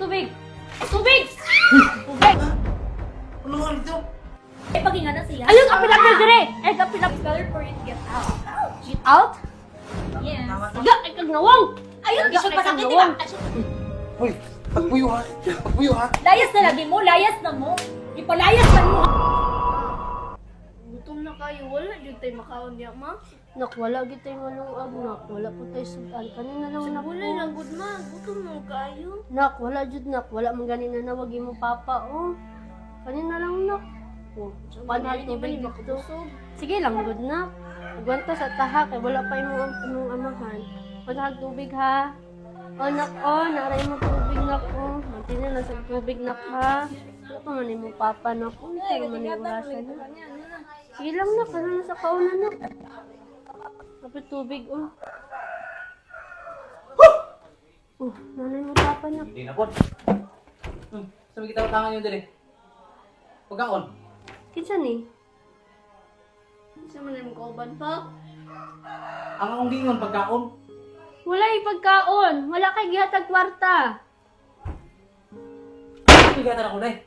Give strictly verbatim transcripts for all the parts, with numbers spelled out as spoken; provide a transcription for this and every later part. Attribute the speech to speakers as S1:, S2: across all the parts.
S1: Tubig! Tubig! Tubig!
S2: Ano nga ito?
S1: Eh, pagingan na sila.
S3: Ayun, kapilapil dire! Eh, kapilapil.
S1: Better for you to get out.
S3: Get out?
S1: Yes.
S3: Ga, ay kag nawang!
S1: Ayun,
S3: Ga,
S1: isyo
S3: ay
S1: pa
S3: kag
S1: sakit, di
S3: nawang.
S1: ba? Asyo.
S2: Hoy, pagpuyo ha. Pagpuyo ha.
S1: Layas na lagi mo, layas na mo. Ipalayas na mo.
S3: Gutom na kayo, wala dyan tayo makaon niya, ma. Nak, wala dyan tayo malungag, nak. Wala po tayo sudan. Kanina lang na
S4: Wala lang, good ma. Gutom mo kayo.
S3: Nak, wala dyan, nak. Wala man ganina na nawagin mo papa, oh. Kanina lang, nak. Oh, panahal tubig dito. Sige lang, good nak. Agwanta sa taha, kay wala pa yung imong amahan. Panahal tubig, ha. Oh, nak, oh. Naray mo tubig, nak, oh. Mantina na sa tubig, nak, ha. Ano pa man yung papa, nak, oh. Ano man yung orasan, nak. Sige lang, nak. Ano na sa kauna, nak. Kapit tubig, oh. Oh, nanay mo papa, nak.
S5: Hindi na po. Hmm, sabi kita utangan yun din eh. Pagkaon.
S3: Kinsa ni?
S4: Isa man yung kauban pa.
S5: Ang akong gingon pagkaon.
S3: Wala yung pagkaon. Wala kay gihatag kwarta.
S5: Bigatan ako na eh.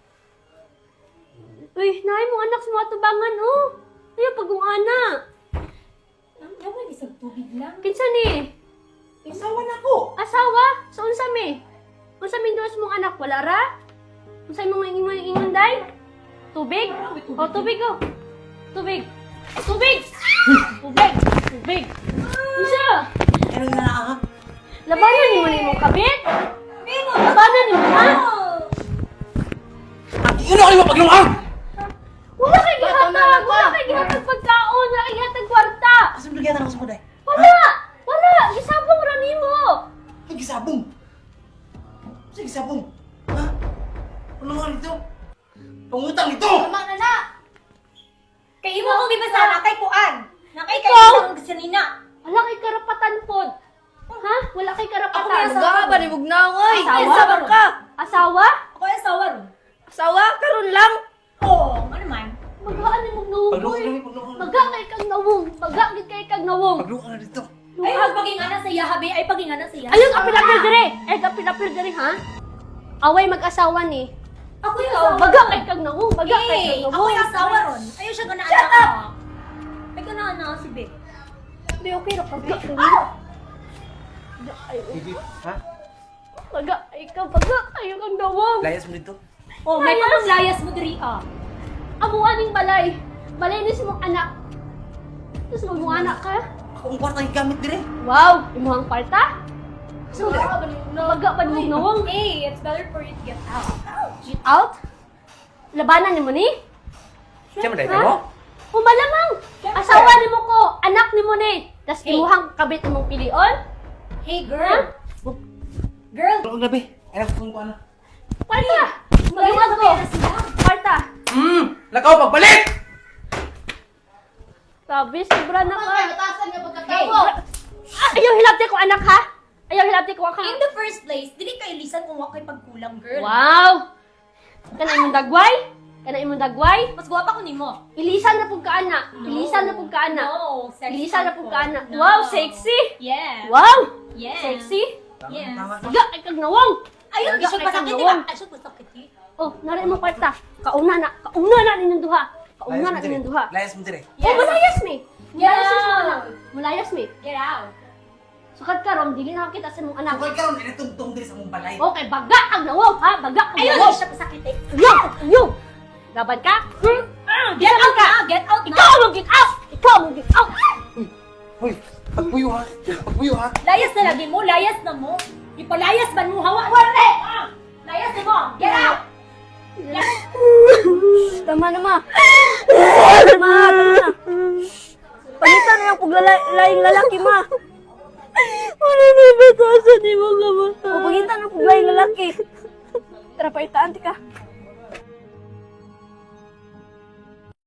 S3: Uy, naay mo anak sa mga tubangan, oh. Ayaw pagong ana.
S1: Naman, isang tubig lang.
S3: Kinsa ni?
S5: Asawa na ko.
S3: Asawa? Sa unsa mi? Unsa mi dos mong anak wala ra? Unsa imong ingon ingon day? Tubig? Oh, tubig oh. Tubig. Tubig. Tubig. Tubig. Unsa?
S5: Ano na na ha?
S3: Labanan ni mo ni mong kabit? Labanan ni mo ha?
S5: At yun ako yung mapaglungang!
S3: Wala kay gihatag, wala kay gihatag pagkaon, wala kay gihatag kwarta.
S5: Asa bigatan ako sa kuday?
S3: Wala! Wala! Gisabong ra nimo.
S5: Sige sabong. Sige sabong. Ha? Ano nga ito? Pangutang ito!
S1: Tama na na. Kay imo kong gibasa na kay kuan. Na kay kay
S3: Ikaw?
S1: isang sanina.
S3: Wala kay karapatan pod. Ha? Wala kay
S1: Ako
S3: karapatan.
S1: may asawa.
S4: Ga, ba ni Bugnangoy?
S3: Asawa?
S4: Kinsa man ka?
S3: Asawa?
S1: Ako yung asawa ron.
S4: Asawa, karon lang.
S1: Oo, ano man.
S3: Magaan ni mong nawong.
S5: Paglungang
S3: boy.
S5: lang, paglungang lang.
S3: Maga kay kag nawong. Maga gid kay kag nawong.
S5: Paglungang na dito.
S1: Ay, ay pagingan na siya, habi. Ay, pagingan na siya.
S3: Ayun kapilapil dire. Eh kapilapil dire ha. Away mag-asawa ni.
S1: Ako yung
S3: Ikaw,
S1: asawa.
S3: maga kay kag nawong. Maga kay
S1: Eh,
S3: kag
S1: ako
S3: nawong.
S1: yung asawa ron. Ayaw siya ganaan. Shut up! Ay, ganaan na si Bek.
S3: Be okay ra pag
S1: Ah!
S3: ay
S5: Hindi. Ha?
S3: maga ay ka maga kayo kag nawong.
S5: Layas mo dito.
S1: Oh, may pamanglayas mo diri ah.
S3: Amo aning balay. Balay ni mong anak. Tapos mo anak ka?
S5: Ako ang kwartang gamit dire.
S3: Wow, imuhang kwarta? So, maga pa ni nawong.
S1: Hey, it's better for you to get out.
S3: Get out? Labanan ni mo ni?
S5: Siya man dahil
S3: Ha?
S5: mo?
S3: O malamang, asawa ni mo ko, anak ni mo ni. Tas
S1: Hey.
S3: imuhang kabit mong pilion?
S1: Hey, girl. Girl.
S5: Ano ang gabi? Ay, nakakong ko ano.
S3: Kwarta!
S1: Magawa
S3: Maluwag
S1: ko
S3: ko!
S1: na sila.
S3: Kwarta!
S5: Hmm! Lakaw, pagbalik!
S3: Sabi, sobra na ka.
S4: Batasan nga
S1: Hey,
S4: pagkatawo.
S3: Ah, ayaw hilabti ko anak ha? Ayaw hilabti ko ka.
S1: in the first place, dili kayo lisan kung wakay pagkulang, girl.
S3: Wow! Kana imong dagway? Kana imong dagway?
S1: Mas gwapa ko nimo.
S3: Ilisan na pug ka ana. Ilisan na pug ka ana.
S1: No, sexy.
S3: Ilisan na pug ka ana.
S1: No.
S3: Wow, sexy!
S1: Yeah.
S3: Wow!
S1: Yeah.
S3: Sexy!
S1: Yes.
S5: Tama, tama.
S3: Siga, ay kag nawong!
S1: Ayun,
S3: Siga,
S1: isyo
S3: ay
S1: pa
S3: kag
S1: sakit, di
S3: nawong.
S1: ba? Asyo pa sakit, eh.
S3: Oh, nari mo kwarta. Kauna na. Kauna na ninyong duha. Kauna
S5: Layas
S3: na
S5: mo dire.
S3: ninyong duha.
S5: Layas mo dire.
S3: Oh, mulayas mi.
S1: Get
S3: Mulayas mi sa
S1: out.
S3: anak. Mulayas mi.
S1: Get out.
S3: Sukat ka rom, dili na kita sa mong anak.
S5: Sukay ka ron, inatugtong dire sa mong balay.
S3: Okay, baga ang nawong ha. Baga ang
S1: Ayun,
S3: nawong.
S1: isyo pa sakit, eh.
S3: Yo! Yo! Laban ka? Hmm?
S1: Get out na! Get out na!
S3: Ikaw mo get out! Ikaw mo get out!
S2: Hoy, pagpuyo ha. Pagpuyo ha.
S1: Layas na lagi mo, layas na mo. Ipalayas man mo, hawa. Wala! Ah! Layas na mo! Get out!
S4: Tama na, ma. Ma, tama na. Palitan na yung paglalaying lalaki, ma.
S3: Ano na batasan ni mo ka
S4: O, pagitan ng paglalaying lalaki. Tara, paitaan, tika.